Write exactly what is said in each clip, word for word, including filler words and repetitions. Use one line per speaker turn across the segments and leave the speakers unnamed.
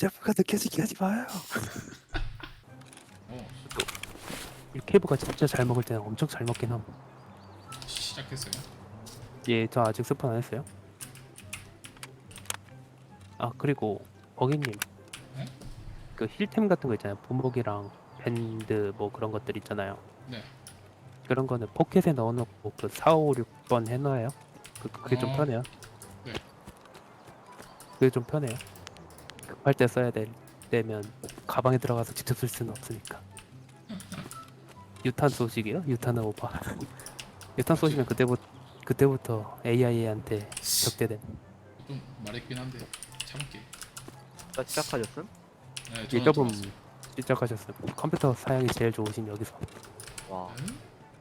셀프가 느껴지게 하지 마요.
어,
이 케이브가 진짜 잘 먹을 때는 엄청 잘 먹긴 함.
시작했어요.
예, 저 아직 스폰 안 했어요. 아 그리고 버기님,
네?
그 힐템 같은 거 있잖아요. 부목이랑 밴드 뭐 그런 것들 있잖아요.
네.
그런 거는 포켓에 넣어놓고 그 사, 오, 육 번 해놔요. 그, 그게 좀
어.
편해요.
네.
그게 좀 편해요. 급할 때 써야 될 때면 가방에 들어가서 직접 쓸 수는 없으니까. 유탄 쏘시기요? 유탄은 오바. 유탄 쏘시면 그때부터 그때부터 에이아이한테 적대됨.
좀 말했긴 한데 참을게.
나 시작하셨음?
네,
예,
저는
조금
들어왔어요.
시작하셨어요. 컴퓨터 사양이 제일 좋으신 여기서.
와
네?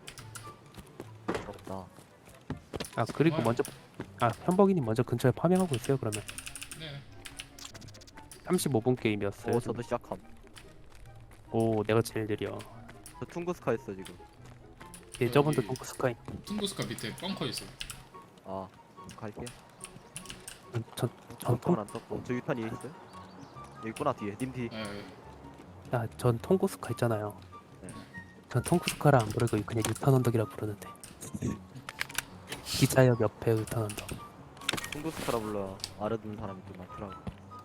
부럽다.
아 그리고
정말?
먼저 아 현복이님 먼저 근처에 파밍하고 있어요. 그러면
네.
삼십오 분 게임이었어요.
오 저도 시작함.
오 내가 제일 느려.
저 퉁구스카 했어 지금.
예, 저번도
여기-
동크 스카이.
퉁구스카 밑에 벙커 있어.
아 갈게.
전전
전통은 안 떴고 저 유탄 위에 있어요? 여기 있구나 뒤에 님 뒤.
네.
아, 전 통구스카 있잖아요.
네.
전 통구스카라 안 부르고 그냥 유탄 언덕이라 부르는데. 기차역 옆에 유탄 언덕.
퉁구스카라 불러 알아듣는 사람이 좀 많더라고.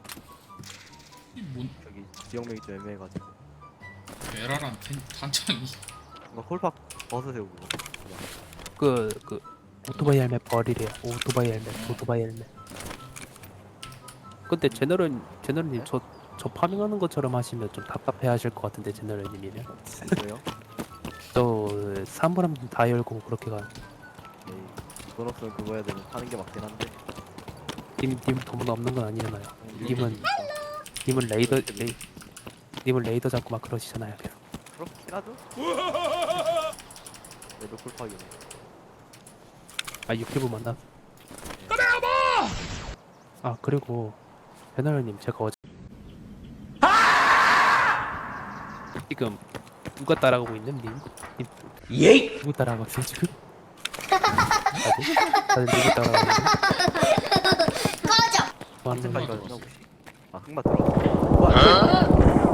이뭔
저기 지역명이 좀 애매해가지고.
베라랑 탄- 탄창이.
뭔가 콜팍 벗으세요 그거.
그, 그, 오토바이 헬멧 버리래요. 오토바이 헬멧, 오토바이 헬멧. 근데 제너럴, 제너럴님,
네?
저, 저 파밍하는 것처럼 하시면 좀 답답해 하실 것 같은데, 제너럴님이면.
왜요?
저, 사물함 다 열고 그렇게 가.
에이 돈 없으면 그거 해야 되면 파는 게 맞긴 한데.
님, 님 돈 없는 건 아니잖아요. 님은,
그러니까.
님은 레이더, 레이, 님은 레이더 잡고 막 그러시잖아요. 계속.
그렇긴 하죠? 얘도 콜팍이네.
아, 유튜브 만나. 아, 그리고, 제너럴님, 제가 어제. 지금, 누가 따라가고 있는 님? 님
예이!
누구 따라가고 있어요, 지금? 다들? 다들 누구 따라가고 있는 꺼져!
언제까지
흑마
가나
들어왔어.
혹시? 아 흑마 들어왔어. 와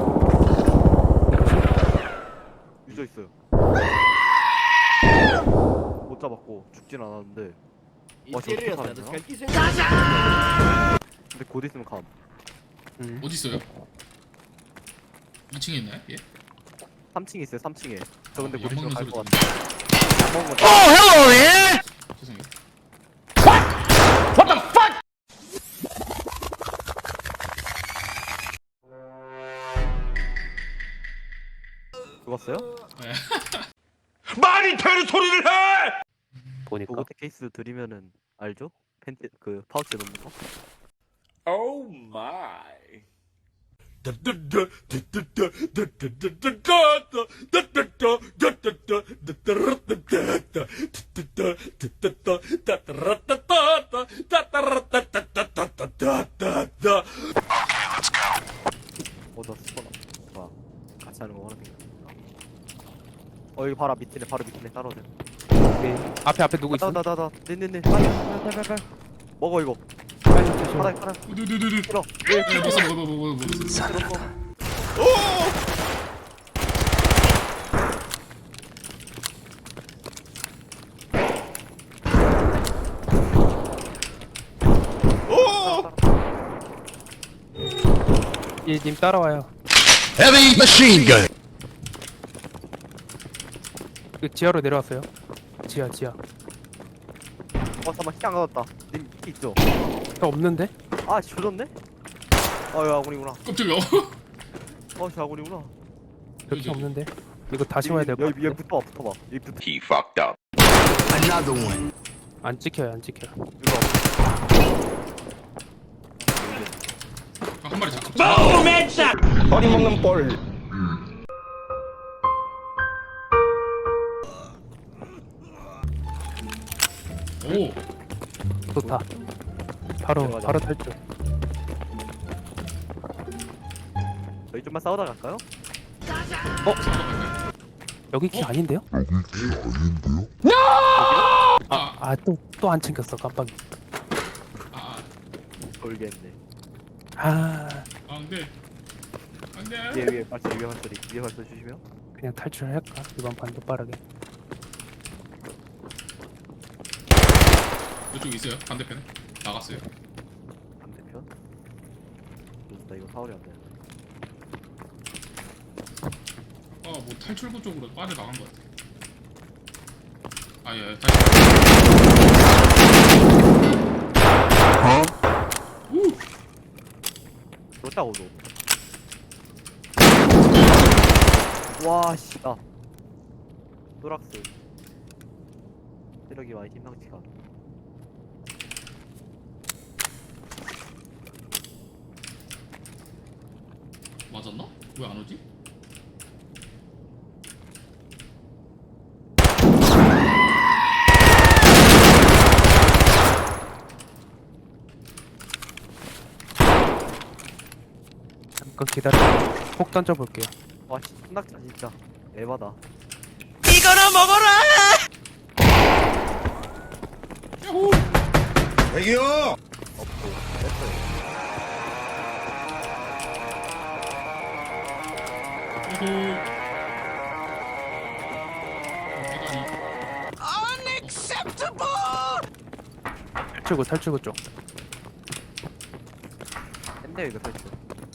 유저 있어요. 못 잡았고 죽진 않았는데. 와 저렇게 살았나? 근데 곧 있으면 감.
음.
어디 있어요? 이 층에 있나요? 예?
삼 층에 있어요. 삼 층에. 저 근데
어,
곧 있으면
약
갈
먹는
것
소리
같아. 약 먹은 건
죄송해요.
What the fuck?
죽었어요?
네.
말이 되는 소리를 해!
보니까.
보고테 케이스 드리면은 알죠? 팬티 그 파우치에 넣는 거?
Oh my.
어나 스포나. 와 같이 하는 거 하나 생각. 어 여기 바로 밑이네. 바로 밑이네. 따라오네.
오케이. 앞에, 앞에 누구 있어?
나나나나. 네네네. 빨리 빨리 빨리 빨리. 먹어 이거.
빨리 드셔.
하나 하나.
두두두두.
들어.
네, 먹었어, 먹어, 먹어, 먹어, 먹었어.
들었어.
예, 님 따라와요.
Heavy machine gun.
그 지하로 내려왔어요. 지하, 지하.
어 잠깐만 키 안 가졌다. 님 키 있죠?
저 없는데?
아 조졌네? 어이 아군이구나.
깜짝이야.
어 아군이구나.
그렇게 없는데? 이거 다시 와야 될 것
여기 여기
같은데?
붙어봐 붙어봐. 여기 붙어.
He fucked up. Another one.
안 찍혀요, 안 찍혀요.
이거.
아, 한 마리 잡.
Boom headshot.
허리 먹는 볼.
오.
좋다. 바로,
들어가자.
바로 탈출.
저희 좀만 싸우다 갈까요?
여기 키
어?
아닌데요?
아,
아, 또, 또 안 챙겼어, 깜빡이.
아,
돌겠네.
아,
아, 안돼 안돼.
위에 위에 발소리 위에 발소리 위에 발소리 주시면
그냥 탈출할까? 이번 판도 빠르게.
이쪽 있어요 반대편에 나갔어요.
반대편. 좋다 이거 사월이 안 돼.
어뭐 탈출구 쪽으로 빠져 나간 것 같아. 아예 탈출. 우.
그렇다고도. 와 씨다. 노락스. 체력이 많이 심상치가 않아.
맞았나? 왜 안 오지?
잠깐 기다려. 폭 던져볼게요.
와 씨, 신낙자 진짜 에바다.
야호.
대기요.
없고 뺐어요.
야호.
탈출구 탈출구 쪽.
샌데 이거 펼쳐.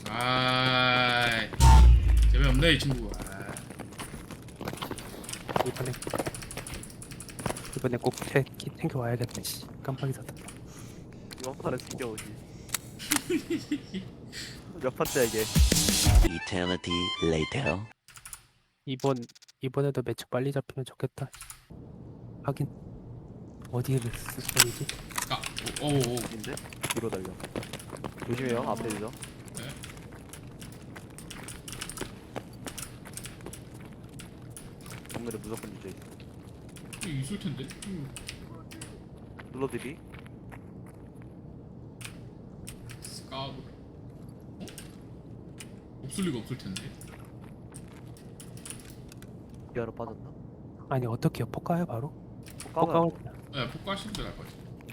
아이 재미없네 이 친구. 아.
이번에 이번에 꼭 태, 키 탱크 와야겠다. 씨, 깜빡 잊었다.
이번 판은 숨겨오지. 몇 판째야 이게?
Eternity later.
이번 이번에도 매치 빨리 잡히면 좋겠다. 하긴 어디에 스폰이지?
아 오오오.
인데 뒤로 달려. 조심해요 앞에 있어.
네.
오늘은 무조건 유죄.
여기 있을 텐데. 음.
눌러드리.
스카브. 어? 없을 리가 없을 텐데.
기아로 빠졌나?
아니 어떻게요? 폭가요 바로?
까고
폭가고
네 폭가시면 될것 같아.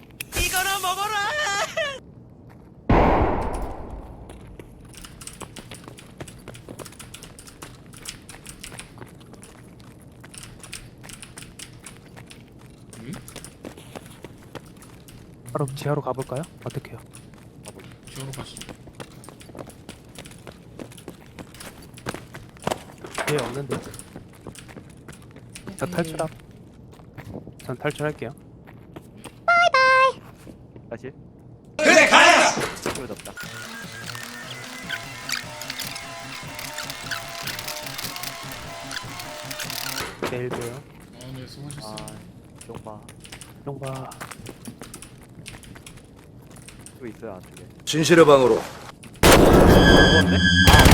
응?
바로 지하로 가볼까요? 어떻게요?
지하로 가시죠.
예 없는데. 저 탈출함. 전 탈출할게요.
다시.
그래 가라.
소리 졌다.
내일 봬요.
아네 수고하셨어요.
아, 용봐.
용봐.
또 있어요 안쪽에.
진실의 방으로.
죽었네? 아,